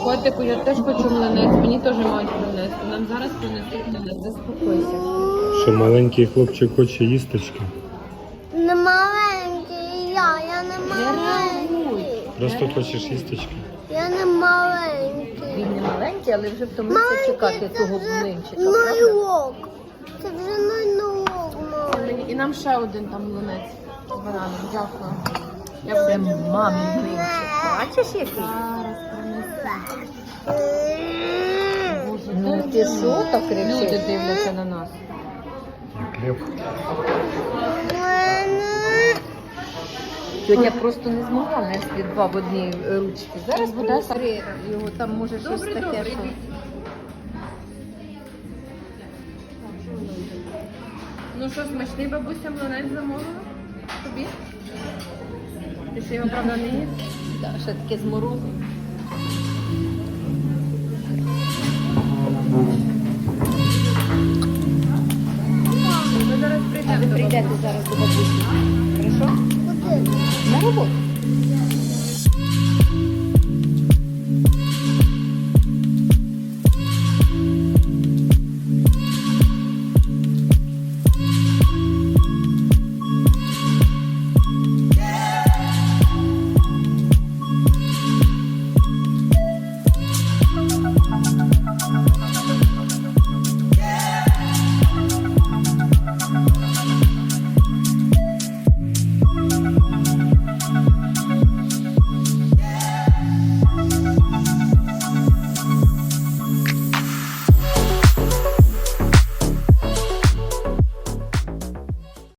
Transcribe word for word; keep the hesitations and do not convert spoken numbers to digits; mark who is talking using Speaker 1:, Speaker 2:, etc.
Speaker 1: Котику, я теж хочу млинець, мені теж мають принести. Нам зараз принесуть млинець, заспокойся.
Speaker 2: Що маленький хлопчик хоче їсточки?
Speaker 3: Не маленький я, я не
Speaker 1: Не
Speaker 3: маленький.
Speaker 1: реагуй.
Speaker 2: Просто хочеш їсточки?
Speaker 3: Я не маленький.
Speaker 1: Він не маленький, але вже втомився
Speaker 3: Маленький
Speaker 1: чекати
Speaker 3: це
Speaker 1: того
Speaker 3: вже
Speaker 1: блинчика, правда?
Speaker 3: найлог. Це вже найлог,
Speaker 1: Це мені- І нам ще один там млинець з бананом. Дякую. Я вже мамі блинчик. Бачиш який? Зараз принесу. Боже,
Speaker 3: Ну,
Speaker 1: ти що так кричиш? Люди дивляться на нас.
Speaker 2: Як лев.
Speaker 1: Тьотя просто не змогла нести два в одній ручці. Зараз буде три його, там може щось таке. Що... Ну що, смачний бабуся млинець замовила? Тобі? Ти ще його, правда, не їв? Так, ще таке з морозом. Ми зараз прийдемо. А ви прийдете зараз до бабусі. Хорошо?
Speaker 3: Куди?
Speaker 1: На роботу.